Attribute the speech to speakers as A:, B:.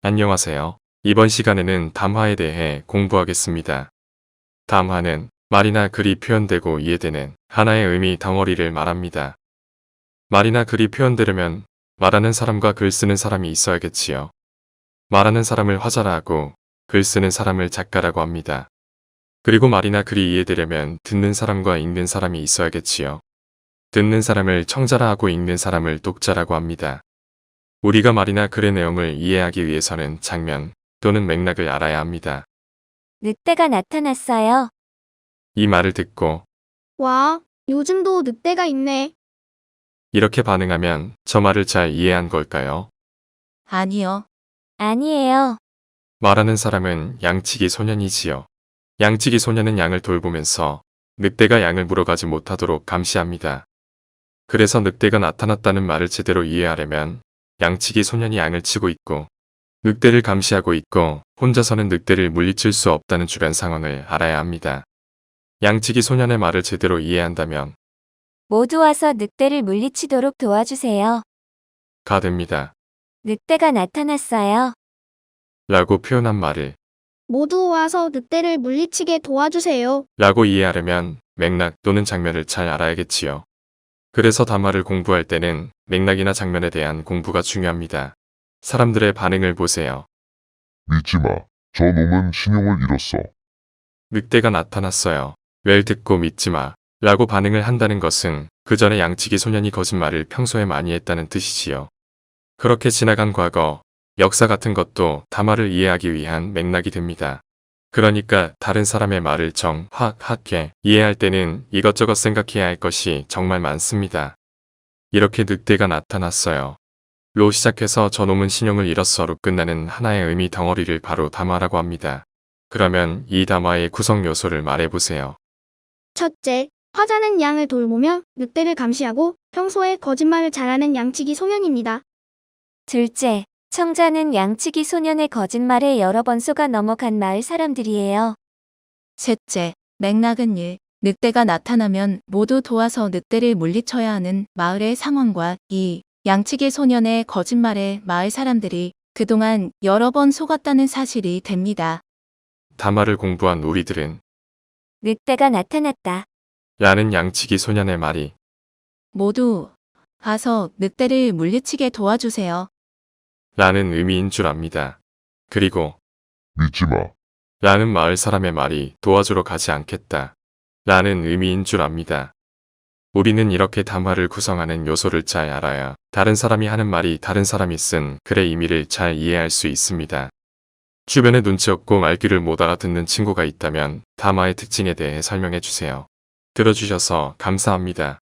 A: 안녕하세요. 이번 시간에는 담화에 대해 공부하겠습니다. 담화는 말이나 글이 표현되고 이해되는 하나의 의미 덩어리를 말합니다. 말이나 글이 표현되려면 말하는 사람과 글 쓰는 사람이 있어야겠지요. 말하는 사람을 화자라고 글 쓰는 사람을 작가라고 합니다. 그리고 말이나 글이 이해되려면 듣는 사람과 읽는 사람이 있어야겠지요. 듣는 사람을 청자라 하고 읽는 사람을 독자라고 합니다. 우리가 말이나 글의 내용을 이해하기 위해서는 장면 또는 맥락을 알아야 합니다.
B: 늑대가 나타났어요.
A: 이 말을 듣고
C: 와, 요즘도 늑대가 있네.
A: 이렇게 반응하면 저 말을 잘 이해한 걸까요?
D: 아니요.
B: 아니에요.
A: 말하는 사람은 양치기 소년이지요. 양치기 소년은 양을 돌보면서 늑대가 양을 물어가지 못하도록 감시합니다. 그래서 늑대가 나타났다는 말을 제대로 이해하려면 양치기 소년이 양을 치고 있고 늑대를 감시하고 있고 혼자서는 늑대를 물리칠 수 없다는 주변 상황을 알아야 합니다. 양치기 소년의 말을 제대로 이해한다면
B: 모두 와서 늑대를 물리치도록 도와주세요.
A: 가 됩니다.
B: 늑대가 나타났어요.
A: 라고 표현한 말을
C: 모두 와서 늑대를 물리치게 도와주세요.
A: 라고 이해하려면 맥락 또는 장면을 잘 알아야겠지요. 그래서 담화를 공부할 때는 맥락이나 장면에 대한 공부가 중요합니다. 사람들의 반응을 보세요.
E: 믿지 마. 저 놈은 신용을 잃었어.
A: 늑대가 나타났어요. 웰 듣고 믿지 마. 라고 반응을 한다는 것은 그 전에 양치기 소년이 거짓말을 평소에 많이 했다는 뜻이지요. 그렇게 지나간 과거, 역사 같은 것도 담화를 이해하기 위한 맥락이 됩니다. 그러니까 다른 사람의 말을 정확하게 이해할 때는 이것저것 생각해야 할 것이 정말 많습니다. 이렇게 늑대가 나타났어요. 로 시작해서 저놈은 신용을 잃었어로 끝나는 하나의 의미 덩어리를 바로 담화라고 합니다. 그러면 이 담화의 구성 요소를 말해보세요.
C: 첫째, 화자는 양을 돌보며 늑대를 감시하고 평소에 거짓말을 잘하는 양치기 소년입니다.
B: 둘째, 청자는 양치기 소년의 거짓말에 여러 번 속아 넘어간 마을 사람들이에요.
D: 셋째, 맥락은 1. 늑대가 나타나면 모두 도와서 늑대를 물리쳐야 하는 마을의 상황과 2. 양치기 소년의 거짓말에 마을 사람들이 그동안 여러 번 속았다는 사실이 됩니다.
A: 담화를 공부한 우리들은
B: 늑대가 나타났다.
A: 라는 양치기 소년의 말이
D: 모두 가서 늑대를 물리치게 도와주세요.
A: 라는 의미인 줄 압니다. 그리고
E: 믿지 마.
A: 라는 마을 사람의 말이 도와주러 가지 않겠다. 라는 의미인 줄 압니다. 우리는 이렇게 담화를 구성하는 요소를 잘 알아야 다른 사람이 하는 말이 다른 사람이 쓴 글의 의미를 잘 이해할 수 있습니다. 주변에 눈치 없고 말귀를 못 알아듣는 친구가 있다면 담화의 특징에 대해 설명해 주세요. 들어주셔서 감사합니다.